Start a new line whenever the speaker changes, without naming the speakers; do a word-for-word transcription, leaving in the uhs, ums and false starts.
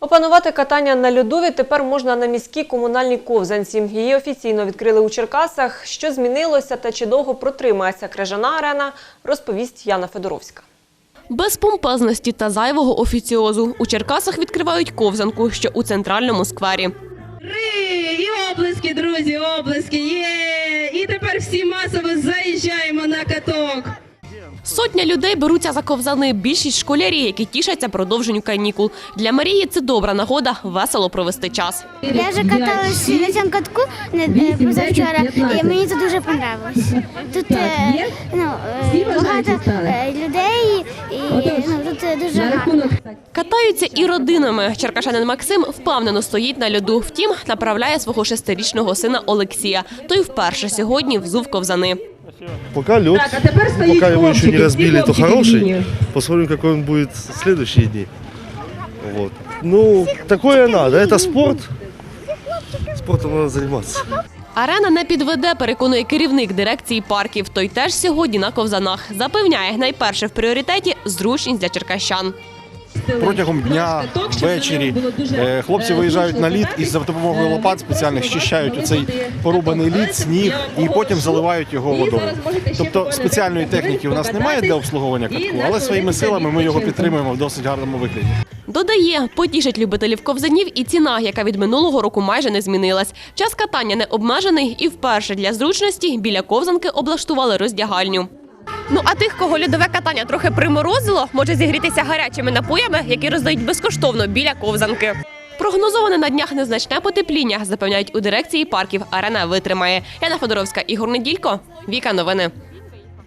Опанувати катання на льоду відтепер можна на міській комунальній ковзанці. Її офіційно відкрили у Черкасах. Що змінилося та чи довго протримається крижана арена, розповість Яна Федоровська.
Без помпезності та зайвого офіціозу у Черкасах відкривають ковзанку, що у центральному сквері.
Ри! І облески, друзі, облески! Є! І тепер всі масово заїжджаємо на каток.
Сотня людей беруться за ковзани. Більшість школярі, які тішаться продовженню канікул. Для Марії це добра нагода весело провести час.
Я вже каталася на цьому катку позавчора, і мені це дуже подобалось. Тут е, ну, е, багато е, людей, і ну, тут дуже гарно.
Катаються і родинами. Черкашанин Максим впевнено стоїть на льоду. Втім, направляє свого шестирічного сина Олексія. Той вперше сьогодні взув ковзани.
Пока лед, пока его еще не разбили, то хороший. Посмотрим, какой он будет в следующие дни. Вот. Ну, такое надо, это спорт. Спортом надо заниматься.
Арена не підведе, переконує керівник дирекції парків. Той теж сьогодні на ковзанах. Запевняє, найперше в пріоритеті – зручність для черкащан.
Протягом дня, ввечері хлопці виїжджають на лід і за допомогою лопат спеціальних щищають оцей порубаний лід, сніг і потім заливають його водою. Тобто спеціальної техніки у нас немає для обслуговування катку, але своїми силами ми його підтримуємо в досить гарному вигляді.
Додає, потішить любителів ковзанів і ціна, яка від минулого року майже не змінилась. Час катання не обмежений і вперше для зручності біля ковзанки облаштували роздягальню. Ну а тих, кого льодове катання трохи приморозило, може зігрітися гарячими напоями, які роздають безкоштовно біля ковзанки. Прогнозоване на днях незначне потепління, запевняють у дирекції парків. Арена витримає. Яна Федоровська, Ігор Неділько, Віка Новини.